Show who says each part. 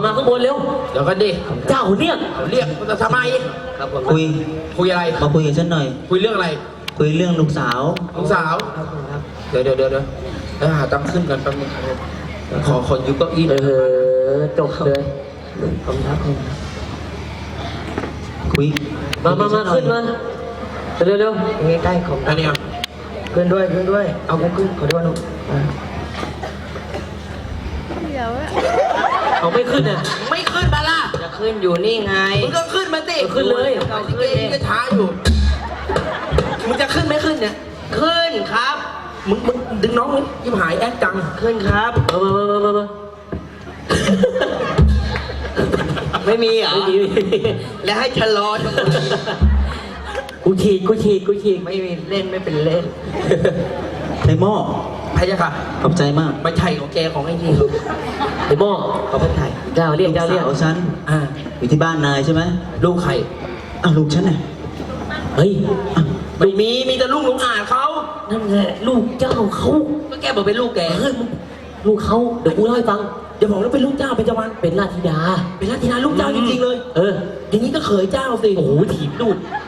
Speaker 1: มาข้างบนเร็ว
Speaker 2: เดี๋ยวกันดิ
Speaker 1: เจ้าเรียก
Speaker 2: เรียกทำไม
Speaker 1: ครับผม
Speaker 2: คุยอะไร
Speaker 3: มาคุยกับฉันหน่อย
Speaker 2: คุยเรื่องอะไร
Speaker 3: คุยเรื่องลูกสาว
Speaker 2: ลูกสาว เดี๋ยวหาตังค์ขึ้นกันแป๊บนึงขอยืมเก้าอี้หน่อย
Speaker 1: จบเลยขอบคุณครับ
Speaker 3: คุย
Speaker 1: มาขึ้นมาเร็วๆใกล้ๆของ
Speaker 2: อันนี้อ่ะ
Speaker 1: ขึ้นด้วยเอาขึ้นขอด้วยลูก
Speaker 4: เดี๋ยวอะ
Speaker 1: เอาไม่ขึ้นอ่ะ
Speaker 2: ไม่ขึ้นมาล่ะ
Speaker 1: จะขึ้นอยู่นี่ไง
Speaker 2: มึงก็ขึ้นมาสิ
Speaker 1: ขึ้นเลย
Speaker 2: เอาขึ้นเองก็ช้าอยู่มึงจะขึ้นไม่ขึ้นเนี่ย
Speaker 1: ขึ้นครับ
Speaker 2: มึงดึงน้องนี่ยิ้มหายแอดจัง
Speaker 1: ขึ้นครับมาไม่มีเหรอแล้วให้ชะลอทำไมกูฉีกไม่มีเล่นไม่เป็นเล่น
Speaker 3: ในหม้อ
Speaker 2: พะยะค่ะ
Speaker 3: ขอบใจมาก
Speaker 2: ไม่ใช่ของแกของไอ้นี่
Speaker 1: ไอ้โม่
Speaker 2: เขาเป็นไทย
Speaker 1: เจ้าเรียก
Speaker 3: ลูกสาวฉัน
Speaker 2: อ่า
Speaker 3: อยู่ที่บ้านนายใช่ไหม
Speaker 2: ลูกใคร
Speaker 3: อ้าวลูกฉันน่ะ
Speaker 1: เฮ้ย
Speaker 2: ไม่มีแต่ลูกหลงอ่านเขา
Speaker 1: นั่นแหละลูกเจ้าเขา
Speaker 2: ก็แกบอกเป็นลูกแก
Speaker 1: เฮ้ยลูกเขาเดี๋ยวกูเล่าให้ฟัง
Speaker 2: เดี๋ยวบอกแล้วเป็นลูกเจ้าเป็นจวัน
Speaker 1: เป็นราชธิดา
Speaker 2: เป็นราชธิดาลูกเจ้าจริงๆเลย
Speaker 1: เออ
Speaker 2: อย่างนี้ก็เขยเจ้าสิ
Speaker 1: โอ้โหถีบลูก